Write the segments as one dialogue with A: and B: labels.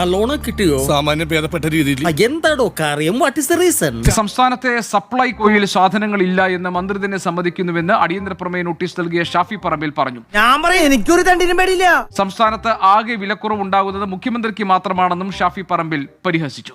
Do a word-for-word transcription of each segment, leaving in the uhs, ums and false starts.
A: നല്ലോണം കിട്ടിയോ?
B: സാമാന്യം ഭേദപ്പെട്ട രീതിയിൽ.
A: എന്താടോ കാര്യം? What is the reason?
C: സംസ്ഥാനത്തെ സപ്ലൈകോയിൽ സാധനങ്ങൾ ഇല്ല എന്ന് മന്ത്രി തന്നെ സമ്മതിക്കുന്നുവെന്ന് അടിയന്തര പ്രമേയ നോട്ടീസ് നൽകിയ ഷാഫി പറമ്പിൽ പറഞ്ഞു.
D: ഞാൻ പറയാം, എനിക്കൊരു തണ്ടിനും പേടിയില്ല.
C: സംസ്ഥാനത്ത് ആകെ വിലക്കുറവ് ഉണ്ടാകുന്നത് മുഖ്യമന്ത്രിക്ക് മാത്രമാണെന്നും ഷാഫി പറമ്പിൽ പരിഹസിച്ചു.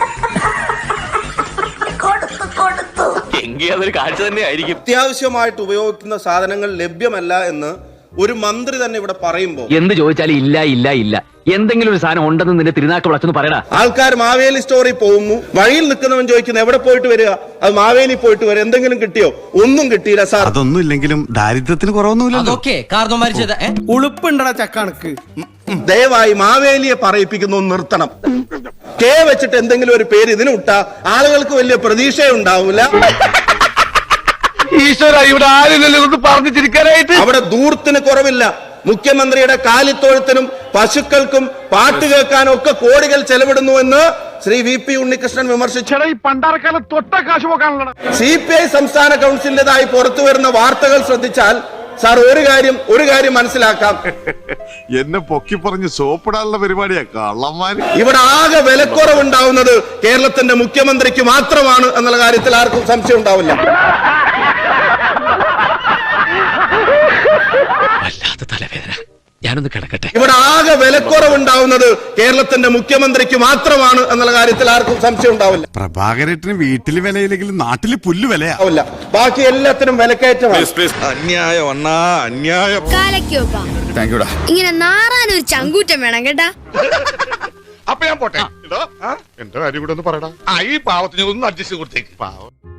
E: അത്യാവശ്യമായിട്ട് ഉപയോഗിക്കുന്ന സാധനങ്ങൾ ലഭ്യമല്ല എന്ന് ഒരു മന്ത്രി തന്നെ ഇവിടെ പറയുമ്പോൾ
F: എന്ത് ചോദിച്ചാലും ഇല്ല ഇല്ല ഇല്ല എന്തെങ്കിലും ഒരു സാധനം ഉണ്ടെന്ന് നിന്റെ തിരുനാക്ക് വിളച്ചെന്ന് പറയടാ.
E: ആൾക്കാർ മാവേലി സ്റ്റോറിൽ പോകുന്നു, വഴിയിൽ നിൽക്കുന്നവൻ ചോദിക്കുന്നു എവിടെ പോയിട്ട് വരിക, അത് മാവേലി പോയിട്ട് വരിക, എന്തെങ്കിലും കിട്ടിയോ? ഒന്നും കിട്ടിയില്ല സാർ.
G: അതൊന്നും ഇല്ലെങ്കിലും ദാരിദ്ര്യത്തിന് കുറവൊന്നുമില്ല.
D: ഉളുപ്പുണ്ടടാ ചക്കണക്ക്.
E: ദയവായി മാവേലിയെ പറയിപ്പിക്കുന്നു നിർത്തണം. കെ വെച്ചിട്ട് എന്തെങ്കിലും ഒരു പേര് ഇതിന് വിട്ടാ ആളുകൾക്ക് വലിയ പ്രതീക്ഷയുണ്ടാവില്ല.
B: ഈശ്വര, ഇവിടെ ആരും പറഞ്ഞു ചിരിക്കാനായിട്ട്.
E: അവിടെ ദൂരത്തിന് കുറവില്ല. മുഖ്യമന്ത്രിയുടെ കാലിത്തൊഴുത്തിനും പശുക്കൾക്കും പാട്ട് കേൾക്കാനും ഒക്കെ കോടികൾ ചെലവിടുന്നു എന്ന് ശ്രീ വി പി ഉണ്ണികൃഷ്ണൻ വിമർശിച്ചു. സി പി ഐ സംസ്ഥാന കൗൺസിലിന്റേതായി പുറത്തു വരുന്ന വാർത്തകൾ ശ്രദ്ധിച്ചാൽ സാർ ഒരു കാര്യം ഒരു കാര്യം മനസ്സിലാക്കാം.
G: എന്നെ പൊക്കി പറഞ്ഞ് സോപ്പിടാനുള്ള പരിപാടിയാ കള്ളന്മാര്.
E: ഇവിടെ ആകെ വിലക്കുറവുണ്ടാവുന്നത് കേരളത്തിന്റെ മുഖ്യമന്ത്രിക്ക് മാത്രമാണ് എന്നുള്ള കാര്യത്തിൽ ആർക്കും സംശയം ഉണ്ടാവില്ല.
F: വല്ലാത്ത തലവേദന, ഞാനൊന്ന് കിടക്കട്ടെ.
E: ഇവിടെ ആകെ വിലക്കുറവുണ്ടാവുന്നത് കേരളത്തിന്റെ മുഖ്യമന്ത്രിക്ക് മാത്രമാണ് എന്നുള്ള കാര്യത്തിൽ ആർക്കും സംശയം ഉണ്ടാവില്ല.
G: പ്രഭാകരേട്ടന് വീട്ടില് വിലയില്ലെങ്കിലും നാട്ടില് പുല്ല് വിലയാ.
E: ബാക്കി എല്ലാത്തിനും വിലക്കയറ്റമാണ്.
H: ഇങ്ങനെ നാറാനൊരു ചങ്കൂറ്റം വേണം കേട്ടാ.
B: അപ്പൊ ഞാൻ പോട്ടെ. എന്റെ കാര്യം കൂടെ ഒന്ന് പറയടാ. ഈ പാവത്തിന് ഒന്ന് അഡ്ജസ്റ്റ് കൊടുത്തേക്ക്. പാവം.